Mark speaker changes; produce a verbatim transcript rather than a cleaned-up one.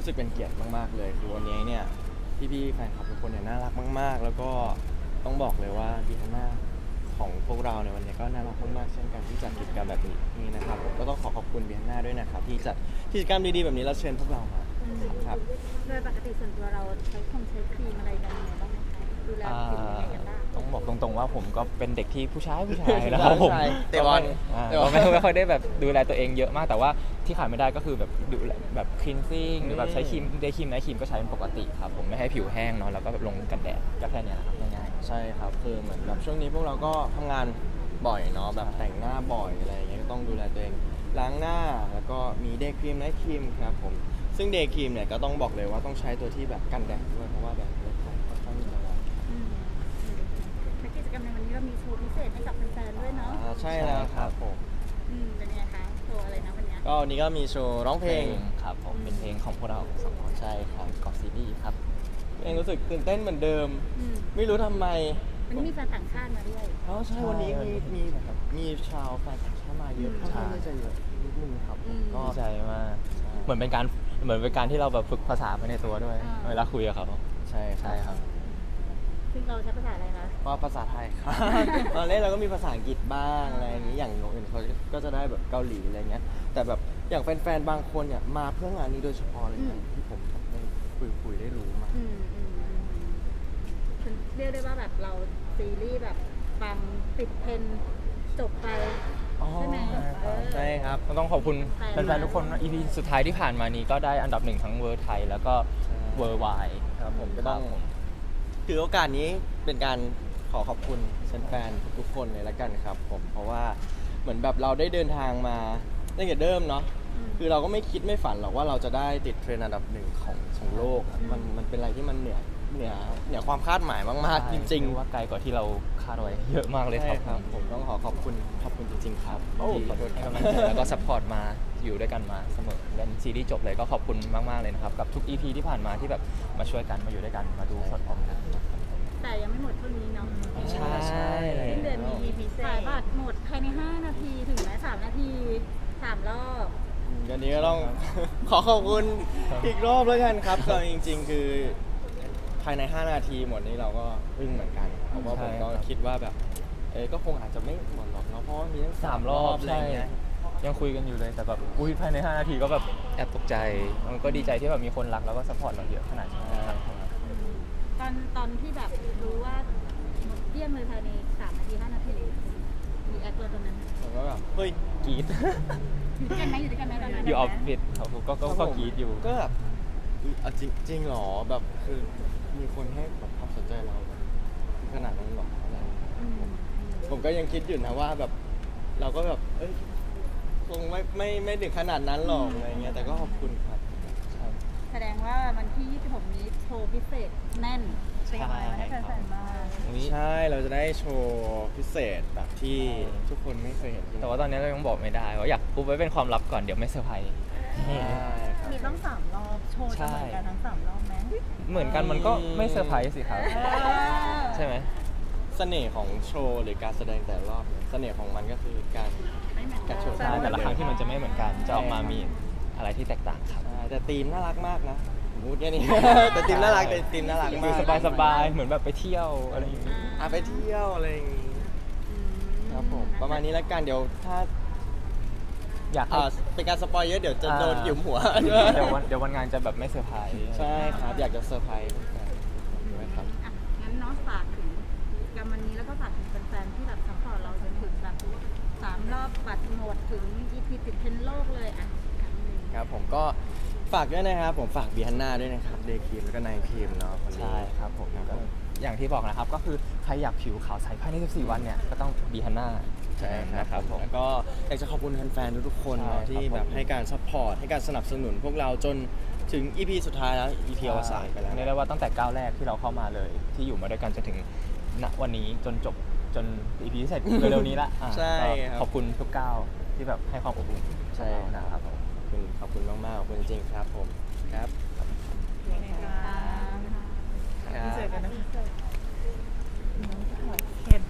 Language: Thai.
Speaker 1: สึกเป็นเกียรติมากๆเลยคือวันนี้เนี่ยพี่ๆแฟนคลับทุกคนเนี่ยน่ารักมากๆแล้วก็ต้องบอกเลยว่าบีฮาน่าของพวกเราในวันนี้ก็น่ารักมากๆเช่นกันที่จัดกิจกรรมแบบนี้นะครับผมก็ต้องขอขอบคุณบีฮาน่าด้วยนะครับที่จัดกิจกรรมดีๆแบบนี้แล้วเชิญพวกเรามาครับ
Speaker 2: โดยปกติส่วนตัวเราใช้คงใช้ครีมอะไรยังไงบ้างไหมคะดูแลผิวยังไงกันบ้าง
Speaker 3: ต้องบอกตรงๆว่าผมก็เป็นเด็กที่ผู้ชายผู้ชายนะครับผม
Speaker 1: เตะบอล
Speaker 3: อ่าก็ไม่ไม่ค่อยได้แบบดูแลตัวเองเยอะมากแต่ว่าที่ขาดไม่ได้ก็คือแบบดูแลแบบคลีนซิ่งหรือแบบใช้ครีมเดย์ครีมไนท์ครีมก็ใช้เป็นปกติครับผมไม่ให้ผิวแห้งเนาะแล้วก็แบบลงกันแดดก็แค่เนี้ยครับง่าย
Speaker 1: ใช่ครับคือเหมือนแบบช่วงนี้พวกเราก็ทำงานบ่อยเนาะแบบแต่งหน้าบ่อยอะไรอย่างเงี้ยก็ต้องดูแลตัวเองล้างหน้าแล้วก็มีเดย์ครีมไนท์ครีมครับผมซึ่งเดย์ครีมเนี่ยก็ต้องบอกเลยว่าต้องใช้ตัวที่แบบกันแดดด้วยเพราะว่าแบบค่อนข้างค่อนข้างละลาย
Speaker 2: อืมและกิจกรรมในวันนี้เรามีโชว์พิเศษให้กับแฟนๆด้วยเนาะ
Speaker 1: อ่าใช่แล้วครับผม
Speaker 2: อืมเป็นยังไงคะโชว์อะไรนะวันเนี้ย
Speaker 1: ก็วันนี้ก็มีโชว์ร้อง
Speaker 3: ๆ
Speaker 1: เพลง
Speaker 3: ครับผมเป็นเพลงของพวกเราสองคน
Speaker 1: ใช่ครับ
Speaker 3: กอซีรีส์ครับ
Speaker 1: เองรู้สึกตื่นเต้นเหมือนเดิม
Speaker 2: อืม
Speaker 1: ไม่รู้ทำไม
Speaker 2: วันนี้มีแฟนต่างชาติมาด้วย
Speaker 1: อ๋อใช่วันนี้มีมีแบบมีชาวแฟนต่างชาติมาเยอะ
Speaker 2: อืม
Speaker 1: ค่อนข้างที่จะเยอะนิดนึงครับผม
Speaker 2: อืม
Speaker 1: ก็
Speaker 3: ดีใจมากเหมือนเป็นการเหมือนเป็นการที่เราแบบฝึกภาษาไปในตัวด้วย
Speaker 2: อ่า
Speaker 3: เวลาคุยกับเขา
Speaker 1: ใช่
Speaker 3: ใช่ครับ
Speaker 2: ซึ่งเราใช้ภาษาอะไรคะ
Speaker 1: ก็ภาษาไทยครับ ตอนเล่นเราก็มีภาษาอังกฤษบ้างอะไรอย่างนี้อย่างอื่นเขาก็จะได้แบบเกาหลีอะไรเงี้ยแต่แบบอย่างแฟนๆบางคนเนี่ยมาเพื่องานนี้โดยเฉพาะเลยนะที่ผมแบบได้คุยคุยได้รู้มา
Speaker 2: อืมอืมอืมอืมเรียกได้ว่าแบบเราซีรีส์แบบฟังติดเทรนด์จบไป ใช่ไหมเออ
Speaker 1: ใช่ครับ
Speaker 3: ก็ต้องขอบคุณ
Speaker 2: แฟนๆ
Speaker 3: แฟนๆทุกคนนะ อี พี สุดท้ายที่ผ่านมานี้ก็ได้อันดับหนึ่งทั้งเวอร์ไทยแล้วก็
Speaker 1: ใช่
Speaker 3: เวอร์ไว
Speaker 1: ครับผมก็ต้องถือโอกาสนี้เป็นการขอขอบคุณแฟนๆทุกๆคนเลยละกันครับผมเพราะว่าเหมือนแบบเราได้เดินทางมาตั้งแต่เดิมเนาะ
Speaker 2: อืม
Speaker 1: คือเราก็ไม่คิดไม่ฝันหรอกว่าเราจะได้ติดเทรนด์อันดับหนึ่งของของโลกอะ
Speaker 2: อืม
Speaker 1: มันมันเป็นอะไรที่มันเหนือเหนือเหนือความคาดหมายมากๆจริง
Speaker 3: ๆว่าไกลกว่าที่เราคาดไว้เยอะมาก
Speaker 1: ๆ
Speaker 3: เลย
Speaker 1: ใช่
Speaker 3: ครับ
Speaker 1: ครับผมต้องขอขอบคุณขอบคุณจริง ๆ ครับ
Speaker 3: โอ้ขอโทษให้กำลังใจแล้วก็ซัพพอร์ตมาอยู่ด้วยกันมาเสมอยันซีรีส์จบเลยก็ขอบคุณมากๆเลยนะครับกับทุก อี พี ที่ผ่านมาที่แบบมาช่วยกันมาอยู่ด้วยกันมาดูสดพร้อมกัน
Speaker 2: แต่ยังไม่หมดเท่านี้เนาะ
Speaker 3: ใช่
Speaker 2: สิ้นเดือนมี อี พี ขายบัตรหมดภายในห้านาทีถึงไหมสามนาทีสามรอบ
Speaker 1: อันนี้ก็ต้อง ขอขอบคุณอีกรอบแล้วกันครับก็จริง ๆ คือภายในห้านาทีหมดนี้เราก็อึ้งเหมือนกันเพราะว่าผมก็คิดว่าแบบเออก็คงอาจจะไม่หมดหรอกเนาะเพราะว่ามีทั้ง
Speaker 3: สามรอบ
Speaker 1: อะไร
Speaker 3: ใช่
Speaker 1: เงี้ย
Speaker 3: ยังคุยกันอยู่เลยแต่แบบอุ้ยภายในห้านาทีก็แบบแอบตกใจมันก็ดีใจที่แบบมีคนรักแล้วก็ซัพพอร์ตเราเยอะขนาดนี้ครับ
Speaker 2: ตอนตอนที่แบบรู้ว่าหมดเกลี้ยงเลยภายในสามนาทีห้านาทีมีแอคเลยตอนนั้น
Speaker 1: ผมก็แบบเฮ้ย
Speaker 3: กรีด
Speaker 2: อยู่ด้วยกันไหมอยู่ด้วยกันไหมตอนนั้น
Speaker 3: อยู่ออฟฟิศเขาก็ก็ก็กรีดอยู่
Speaker 1: ก็แบบอุ๊ยเอาจริงจริงเหรอแบบคือมีคนให้แบบความสนใจเราแบบขนาดนั้นหรออะไรอย่างเงี้ย
Speaker 2: อืมอืม
Speaker 1: ผมก็ยังคิดอยู่นะว่าแบบเราก็แบบเอ้ยคงไม่ไม่ไม่ถึงขนาดนั้นหรอกอะไรเงี้ยแต่ก็ขอบคุณครับครับ
Speaker 2: แสดงว่าวันที่ยี่สิบหกนี้โชว์พิเศษแน่น
Speaker 3: ใช่
Speaker 2: เตรียมอะไรไว้ให้แฟนๆบ้าง
Speaker 3: อุ๊ย
Speaker 1: ใช่เราจะได้โชว์พิเศษแบบที่ทุกคนไม่เคยเห็นที่ไหน
Speaker 3: แต่ว่าตอนนี้เรายังบอกไม่ได้ว่าอยากปุ๊บไว้เป็นความลับก่อนเดี๋ยวไม่เซอร์ไพรส์
Speaker 1: ใช่ครับ
Speaker 4: มีต้องสามรอบโชว์จะเหมือนกันทั้งสามรอบไหม
Speaker 3: เหมือนกันมันก็ไม่เซอร์ไพรส์สิครับ
Speaker 4: เออ
Speaker 3: ใช่ไหม
Speaker 1: เสน่ห์ของโชว์หรือการแสดงแต่ละรอบเนี่ยเสน่ห์ของมันก็คือการ
Speaker 2: ไม่เหมือนกั
Speaker 1: กาน รโชว์
Speaker 3: ใช่แต่ละครั้งที่มันจะไม่เหมือนกันจะออกมามีอะไรที่แตกต่างครับ
Speaker 1: ใช่แต่ธีมน่ารักมากนะผมพูดแค่นี้ แต่ธีมน่ารักแต่ธีมน่ารัก
Speaker 3: ดู
Speaker 1: มาก
Speaker 3: สบายสบายๆเหมือนแบบไปเที่ยวอะไรอย่างงี้
Speaker 1: อ่ะไปเที่ยวอะไรอย่างงี้
Speaker 2: อืม
Speaker 1: ครับผมประมาณนี้แล้วกันเดี๋ยวถ้า
Speaker 3: อยากให้
Speaker 1: อ่าเป็นการสปอยเยอะเดี๋ยวจะโดนหยุมหัว
Speaker 3: เดี๋ยววันเดี๋ยววันงานจะแบบไม่เซอร์ไพรส์
Speaker 1: ใช่ครับอยากจะเซอร์ไพรส์แฟนๆด้วยครับ
Speaker 2: อ่ะงั้นเน้องฝากถึงกิจกรรมวันนี้แล้วก็ฝากถึงแฟนๆที่แบบซัพพอร์ตเราจนถึงแบบสามรอบบัตรหมดถึง อี พี ติดเทรนด์โลกเลยอ่ะครั้งหนึ่ง
Speaker 1: ครับผมก็ฝากด้วยนะครับผมฝากบีฮันน่าด้วยนะครับเดย์ครีมแล้วก็ไนท์ครีมเนาะวันนี้
Speaker 3: ใช่ครับผม
Speaker 1: ครับ
Speaker 3: ก็อย่างที่บอกนะครับก็คือใครอยากผิวขาวใสภายในสิบสี่วันเนี่ยก็ต้องบีฮันน่า
Speaker 1: ใช่ครับ
Speaker 3: นะครับผม
Speaker 1: แล้วก็อยากจะขอบคุณแฟนๆทุกๆคน
Speaker 3: ใช่
Speaker 1: เนาะที่
Speaker 3: ครับผม
Speaker 1: แบบให้การซัพพอร์ตให้การสนับสนุนพวกเราจนถึง อี พี สุดท้ายแล้ว อี พี อวสานไปแล้ว
Speaker 3: เรียกได้ว่าตั้งแต่ก้าวแรกที่เราเข้ามาเลย ที่อยู่มาด้วยกันจนถึงณวันนี้จนจบจน อี พี เสร็จ เร็วๆนี้ละอ่ะ
Speaker 1: ใช่
Speaker 3: ก็
Speaker 1: ครับ
Speaker 3: ขอบคุณทุกก้าวที่แบบให้ความอบอุ่น
Speaker 1: ใช่
Speaker 3: กับเรานะครับผม
Speaker 1: ขอบคุณขอบคุณมากๆขอบคุณจริงๆครับผมครับ
Speaker 4: ยังไงคะ
Speaker 1: ครับ
Speaker 4: พิเศษกันนะ